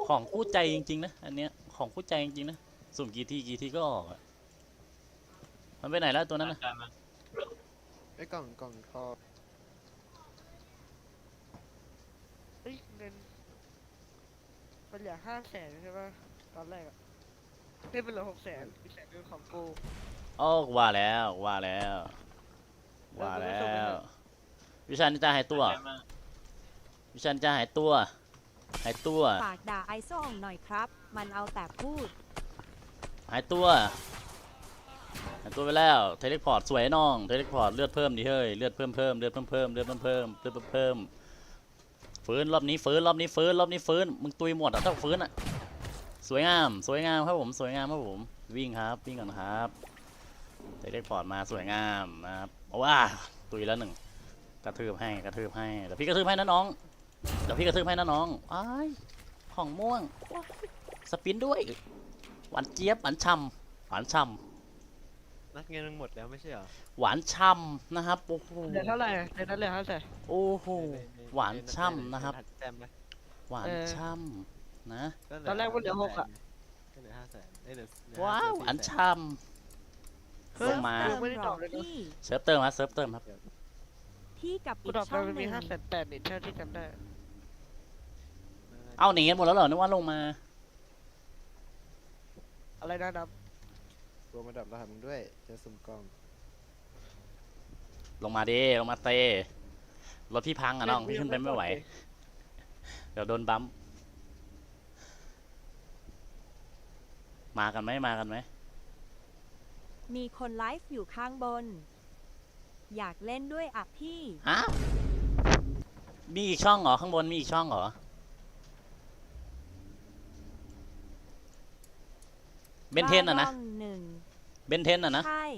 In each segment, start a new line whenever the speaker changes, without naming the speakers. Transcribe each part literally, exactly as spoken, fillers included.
ของคู่ใจจริงๆนะอันเนี้ยของคู่ใจจริงๆนะสุ่มกี่ทีกี่ทีก็ออกอะมันไปไหนแล้วตัวนั้นนะ
จานมา
ไอ้กล่องกล่องทอง
เอ้ยเงินมันเหลือห้าแสนใช่ปะตอนแรกอะได้เป็นเหลือหกแสนอีกแสนเป็นของกู
โอ้ว่าแล้วว่าแล้วว่าแล้ววิชันจะหายตัว
จานมา
วิชันจะหายตัวหายตัว
ฝากด่าไอโซ่องหน่อยครับ มันเอาแต่พูด
หายตัวหายตัวไปแล้วเทเลพอร์ตสวยน้องเทเลพอร์ตเลือดเพิ่มดิเฮ้ยเลือดเพิ่มเพิ่มเลือดเพิ่มเพิ่มเลือดเพิ่มเพิ่มเลือดเพิ่มเพิ่มฟื้นรอบนี้ฟื้นรอบนี้ฟื้นรอบนี้ฟื้นมึงตุยหมดอ่ะต้องฟื้นอ่ะสวยงามสวยงามครับผมสวยงามครับผมวิ่งครับวิ่งก่อนครับเทเลพอร์ตมาสวยงามนะครับว้าตุยแล้วหนึ่งกระทืบให้กระทืบให้เดี๋ยวพี่กระทืบให้นะน้องเดี๋ยวพี่กระทืบให้นะน้องอ้ายของม่วงสปินด้วยหวานเจี๊ยบหวานช่ำหวานช่ำ
นัดเงินมันหมดแล้วไม่ใช่เหรอ
หวานช่ำนะครับโอ้โห
เหลือเท่าไหร่ในนั้นเหลือห้าแสน
โอ้โหหวานช่ำนะครับ
แต้มไหม
หวาน
เออ
ช่ำนะ
ตอนแรกมันเหลือหกอะ
ก็เหลือห้าแสนเอ้ยเหลือเหลือ
ว้าวหวาน
สี่แส
ช่ำลงมา
เติ
ยังไม่ได้
หร
ต
อ
อบเลยนะ
พี่
เซิร์ฟเติมครับเซิร์ฟเติมครับ
พี่กับ
กู
อีก
ตอบไป
ช่อง
มัน
ห
มี
นึ่ง
ห้าแสนแปดนี่เท่าที่จำได้
เอาหนีกันหมดแล้วเหรอนึกว่าลงมา
อะไรนะนับ
รวมระดับรหัสมึงด้วยเจะสุ่มกล่อง
ลงมาดิลงมาเตะรถพี่พังอ่ะน้องพี่ขึ้นไปไม่ไหวเดี๋ยวโดนบัมป์มากันไหมมากันไหม
มีคนไลฟ์อยู่ข้างบน อยากเล่นด้วยอ่ะพี่
ฮะมีอีกช่องเหรอข้างบนมีอีกช่องเหรอเบนเทนอ่ะนะ
ว่าร่องหนึ่ง
เบนเทนอ่ะนะ
ใช่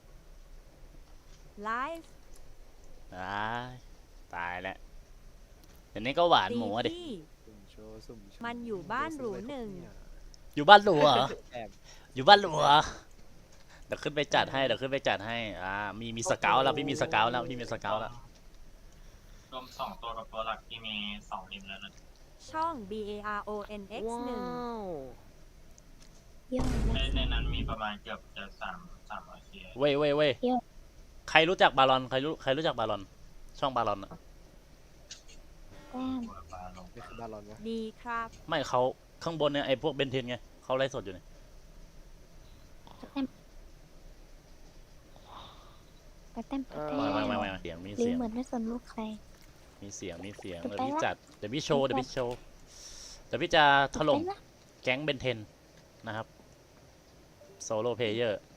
ไลฟ์
ตายตายแล้วเดี๋ยวนี้ก็หวาน
ตี
หมูอะดิ
พี่
สุ่มโชว์สุ่มโชว์
มันอยู่บ้านหรูหนึ่ง
อยู่บ้านหลวเหรอ
แอบ
อยู่บ้านหลวเดี๋ยวขึ้นไปจัดให้เดี๋ยวขึ้นไปจัดให้อ่ามีมีสเกลแล้วพี่มีสเกลแล้วพี่มีสเกลแล้ว
รวมสองตัวกับตัวหลักที่มีสองอิมแล้วนะ
ช่อง B A R O N X หนึ่ง
ว้าว
ในในนั้นมีประมาณเกือบจะสามสามร้อยเค
เว้ยเว้ยเว้ย
เดี๋ยว
ใครรู้จักบาลอนใครรู้ใครรู้จักบาลอนช่องบาลอนอะ
แต้ม
ตัวปลาลง
นี่คือบาลอนวะ
ดีครับ
ไม่เขาข้างบนเนี่ยไอ้พวกเบนเทนไงเขาไลฟ์สดอยู่เนี่ย
แต้มแต้มแต้ม
ไม่ไม่ไม่ไม่เสียงมี
หรือ
เสียง
เหมือนไม่สนลูกใคร
มีเสียงมีเสียง
จะ
เดี๋ยว
ไป
พี่
ละ
จัดเดี๋ยวพี่โชว์เดี๋ยวพี่โชว์เดี๋ยวพี่จะถล่ม
ไปละ
แก๊งเบนเทนนะครับโซโล่เพลเยอร์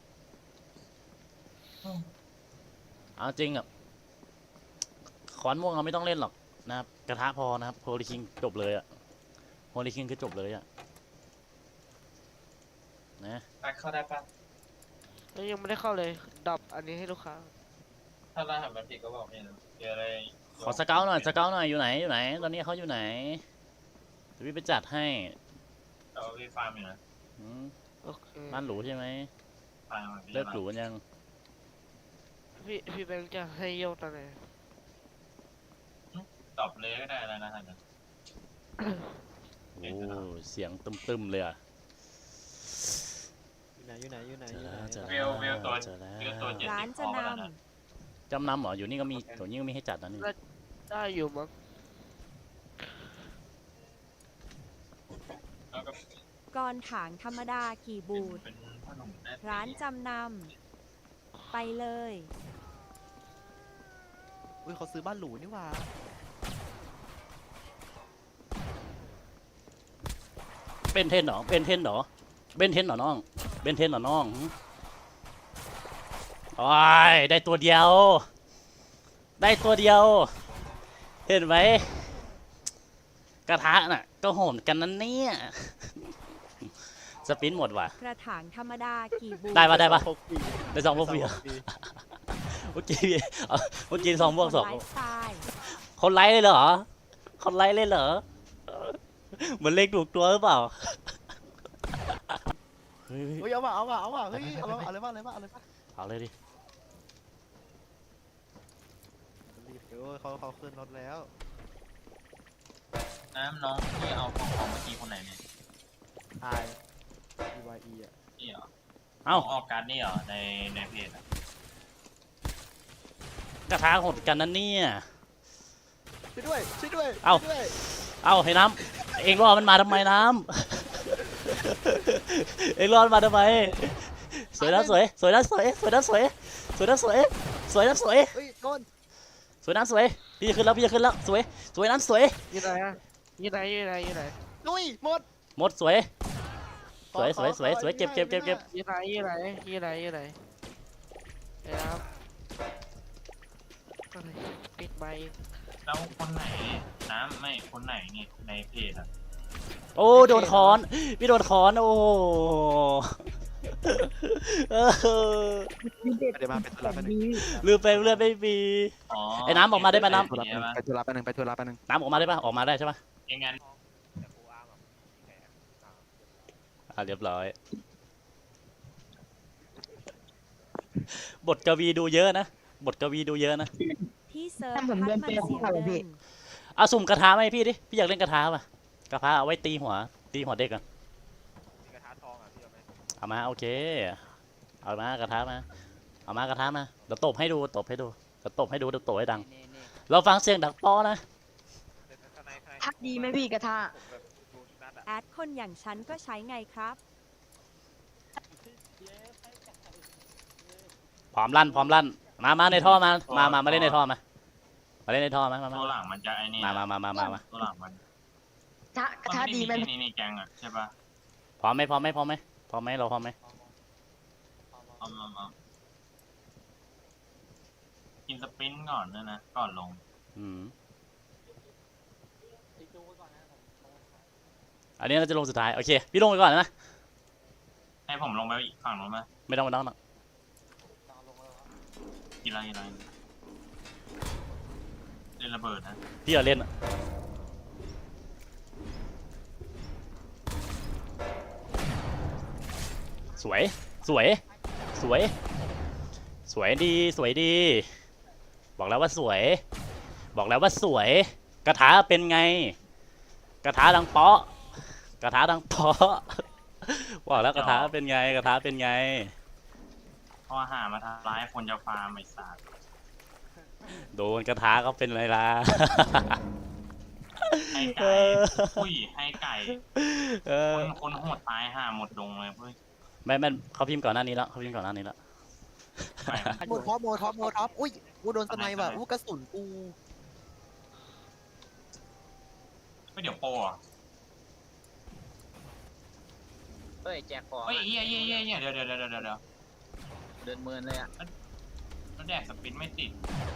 เอาจริงอ่ะขอนม่วงเราไม่ต้องเล่นหรอกนะครับกระทะพอนะครับโฮลิคิงจบเลยอ่ะโฮลิคิงคือจบเลยอ่ะนะ
ตักเข้าได้ปะ
แล้วยังไม่ได้เข้าเลยดรอปอันนี้ให้ลูกค้า
ถ้ารหัสมันผิดก็บอกพี่นะเดี๋ยวอะไร
ขอสเกลหน่อยสเกลหน่อยอยู่ไหนอยู่ไหนตอนนี้เขาอยู่ไหนเดี๋ยวพี่ไปจัดให้
แต่ว่าพี่ฟาร์มอยู่นะ
อืม
โอเค
บ้านหรูใช่ไหม
ฟาร์มมัน
เลิกหรูกันยัง
พี่พี่แบงค์จะให้โยกตอนไหน
ตอบเลยก็ได้แล้วนะฮะเนี่ย
โอ้เสียงตึมๆเลยอ่ะ
อยู่ไหนอยู่ไหนอยู่ไหน
เจ
อ
อยู่
ไหน
แล้วเจอ
เว
แล้
ล
ว
เวลตัว
เจอแล้ว
เวลตัวเจ็ด
ร้า
สิ
น
บ
จะ
พอแล้ว
น
นะ
จำนำเหรออยู่นี่ก็มีตัวนี้ก็มีให้จัดนะนี่
ได้อยู่มั้ง
แล้วก็
ำก่อนถางธรรมดากี่บูท
เป็นขนมแม่
ร้านจำนำ ไปเลย
อุ้ยเขาซื้อบ้านหรูนี่หว่า
เป็นเทนเหรอเป็นเทนเหรอเบนเทนเหรอน้องเบนเทนเหรอน้องหึโอ้ยได้ตัวเดียว ได้ตัวเดียว เห็นไหมกระทะน่ะก็โหดกันนั่นเนี่ยสปินหมดว่ะ
กระถางธรรมดากี่บูท
ได้ปะได้ปะ
พกฟรี
ได้สองพวกฟรีเหรอเมื่อกี้เอาเมื่อกี้สองพวกสอง
ไลฟ์สไตล์
คนไลค์เลยเหรอคนไลค์เลยเหรอเหมือนเลขถูกตัวหรือเปล่าเฮ้ย
เฮ้ยเอาว่ะเอาว่ะเอาว่ะเฮ้ยเอาว่ะเอาเลยว่ะเอาเลยว่ะเอาเลยว่ะ
เอาเลยดิ
รีบเดี๋ยวเขาเขาขึ้นรถแล้ว
น้ำน้องที่เอาของของเมื่อกี้คนไหนเนี่ย
ไอ E Y E อ่ะ
นี่เหรอ
เอ้า
ออกการดนี่เหรอในในเพจอะ
กระทะหดกันนั่นเนี่ย
ช่วยด้วยช่วยด้วย
เอ้า
ช่วยด้วย
เอ้าให้น้ำเองรอมันมาทำไมน้ำ เองรอมันมาทำไมสวยนะสวยสวยนะสวยสวยนะสวยสวยนะสวยสวยนะสวย
เฮ้ยโดน
สวยน้ำสวยพี่จะขึ้นแล้วพี่จะขึ้นแล้วสวยสวยน้ำสวย
อยู่ไหนอะอยู่ไหนอยู่ไหนอยู่ไหน
ลุยหมด
หมดสวยสวย
ข
ส
อ
วยสวย
ขอ
สวยเก็บเก็บเก็บเก็บ
อยู่ไหนอยู่ไหนอยู่ไหนอยู่ไหนเดี๋ยวครับอะไรปิดไมค์
แล้วคนไหนน้ำไม่คนไหนเนี่ยในเพจอะ
โอ้โดนคอนพี่โดนคอนโอ้เออ
เดี๋ยวมาเป็นธุระแป๊บนึง
ลืมไปเลือดไม่มี
อ๋อ
ไอ้น้ำออกมาได้ปะน้ำ
เก็บว้
ไปธุระแป๊บนึงไปธุระแป๊บนึง
น้ำออกมาได้ปะออกมาได้ใช่ปะ
เองงั้น
อ่ะเรียบร้อย บทกวีดูเยอะนะบทกวีดูเยอะนะ
พี่เซิร์ฟ
ถ้าผมเดิน
พัก
เป
มัน
ย์
เสีย
เขาเหรอพี่
เงิน
เอาสุ่มกระทะไหมาให้พี่ดิพี่อยากเล่นกระทะป่ะกระทะเอาไว้ตีหัวตีหัวเด็กกัน
กระทะทองอ่ะพี่เอาไหม
เอามาโอเคเอามากระทะมาเอามากระทะมาเดี๋ยวตบให้ดูตบให้ดูเดี๋ยวตบให้ดูเดี๋ยวตบให้ดัง เราฟังเสียงดังป้อนะ
พักดีไหมพี่กระทะ
แอดคนอย่างฉันก็ใช้ไงครับ
พร้อมลั่นพร้อมลั่นมามาในท่อมามามามาเล่นในท่อมามาเล่นในท่อมามามา
ตัวหลังมันจะไอ้นี่
มามามามามามา
ตัวหลังมัน
ทะกระทะดีไหม
นี่นี่แกงอะใช่ปะ
พร้อมไหมพร้อมไหมพร้อมไหมพร้อมไหมเราพร้อมไหม
เอามามากินสปรินต์ก่อนด้วยนะก่อนลง
อืมอันนี้เราจะลงสุดท้ายโอเคพี่ลงไปก่อนนะ
ให้ผมลงไปอีกฝั่งนู้นไหม
ไม่ต้องไม่ต้องหรอก
กินอะไรกินอะไรเล่นระเบิดนะ
พี่อย่าเล่นอะสวยสวยสวยสวยดีสวยดี บอกแล้วว่าสวย บอกแล้วว่าสวย กระถาเป็นไง กระถาดังเปาะกระถาดังเปาะบอกแล้วกระถาเป็นไงกระถาเป็นไง
พอหามาทำร้ายคนจะฟาร์มไอ้สัตว์
โดนกระถาเขาเป็นไรล่ะ
ให้ไก่อุ้ยให้ไก่
เออ
คนคนโหดตายห่าหมดดงเลยเพื่อน
ไม่ไม่เขาพิมพ์ก่อนหน้านี้แล้วเขาพิมพ์ก่อนหน้านี้แล้ว
ไป
โมท็อปโมท็อปโมท็อปอุ้ยกูโดนสไนว่ะอู้กระสุนกู
ไม่เดี๋ยวโปรอ่ะ
เฮ้ยแจกของ
เฮ้ยเฮียเฮียเฮียเฮียเดี๋ยวเดี๋ยวเดี๋ยวเดี๋ยวเดี๋ยว
เดินเมินเลยอ่ะ
แล้วแดกสปรินต์ไม่ติด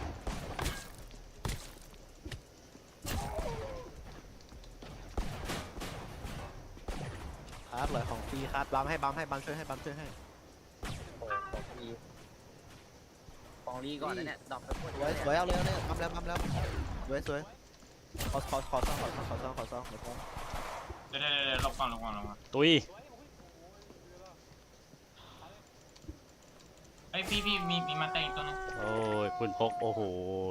ครับเลยของฟรีครับบัมให้บัมให้บัมช่วยให้บัมช่วยให้
โอ้ของรีของรีก่อนนะเนี่ยดอกไปหมด
สวยสวยเอาเลยเอาเลยบัมแล้วบัมแล้วสวยสวยขอขอขอซ่องขอซ่องขอซ่องขอซ่องขอซ่อง
เดี๋ยวเดี๋ยวเดี๋ยวหลบก่อนหลบก่อนหลบก่อน
ตุย
เฮ้ยพี่พี่มีมีมาเตะอีกตัวนึง
โอ้ยคุณพกโอ้โห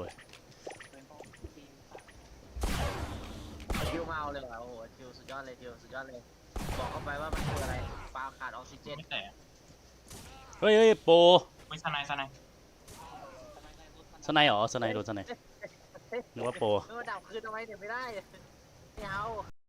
ทิวมาเอาเลยเหรอโอ้โหทิวสุดยอดเลยทิวสุดยอดเลย บอกเข้าไปว่ามันคืออะไรปลาขาดออกซิเจน
ไม่แตะ
เฮ้ยเฮ้ยโปร
ไม่สไนด์สไนด์
สไนด์เหรอสไนด์โดนสไนด์นึกว่าโปร
เออดับคืนเอาไว้เดี๋ยวไม่ได้ไม่เอา